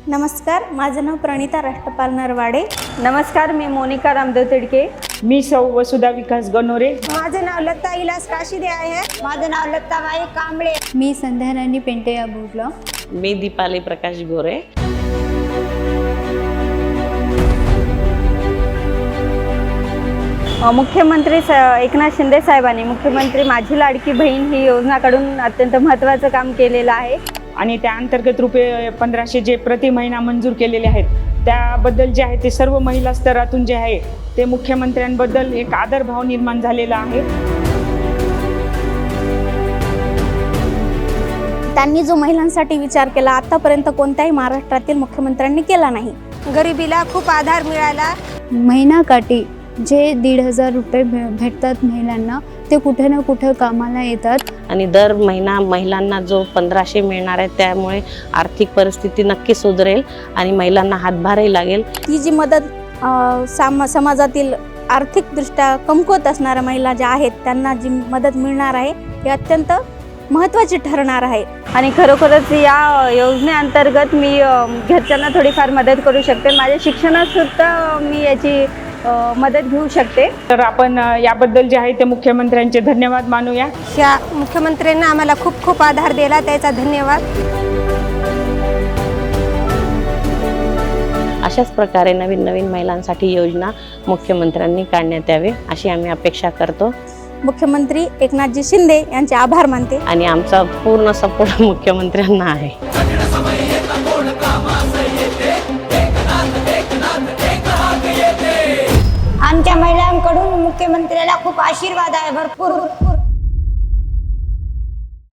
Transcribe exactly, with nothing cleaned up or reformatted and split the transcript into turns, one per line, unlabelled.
नमस्कार, माझं नाव प्रणिता राष्ट्रपाल नरवाडे।
नमस्कार, मी मोनिका रामदेव तिडके।
मी सौ वसुधा विकास गणोरे।
माझं नाव लता इलास काशीदे आहे। माझं नाव लताबाई कांबळे।
मी संध्या राणी पेंटे या बोललो।
मी दीपाली प्रकाश गोरे।
मुख्यमंत्री एकनाथ शिंदे साहेबांनी मुख्यमंत्री माझी लाडकी बहीण ही योजना काढून अत्यंत महत्त्वाचं काम केलेलं आहे
आणि त्या अंतर्गत रुपये पंधराशे जे प्रति महिना मंजूर केलेले आहेत त्याबद्दल जे आहे ते सर्व महिला स्तरातून जे आहे ते मुख्यमंत्र्यांबद्दल एक आदरभाव निर्माण झालेला आहे।
त्यांनी जो महिलांसाठी विचार केला आतापर्यंत कोणत्याही महाराष्ट्रातील मुख्यमंत्र्यांनी केला नाही।
गरिबीला खूप आधार मिळाला।
महिनाकाठी जे दीड हजार रुपये भेटतात महिलांना ते कुठे ना कुठे कामाला येतात
आणि दर महिना महिलांना जो पंधराशे मिळणार आहे त्यामुळे आर्थिक परिस्थिती नक्की सुधरेल आणि महिलांना हातभारही लागेल।
ती जी मदत साम समाजातील आर्थिकदृष्ट्या कमकुवत असणाऱ्या महिला ज्या आहेत त्यांना जी मदत मिळणार आहे हे अत्यंत महत्त्वाची ठरणार आहे।
आणि खरोखरच या योजनेअंतर्गत मी घरच्यांना थोडीफार मदत करू शकते। माझ्या शिक्षणात सुद्धा मी याची मदत घेऊ शकते।
तर आपण याबद्दल जे आहे ते मुख्यमंत्र्यांचे धन्यवाद मानूया।
या मुख्यमंत्र्यांना आम्हाला खूप खूप आधार दिला त्याचा धन्यवाद।
अशाच प्रकारे नवीन नवीन महिलांसाठी योजना मुख्यमंत्र्यांनी काढण्यात यावे अशी आम्ही अपेक्षा करतो।
मुख्यमंत्री एकनाथजी शिंदे यांचे आभार मानते
आणि आमचा पूर्ण सपोर्ट मुख्यमंत्र्यांना आहे।
आमच्या महिलांकडून मुख्यमंत्र्याला खूप आशीर्वाद आहे, भरपूर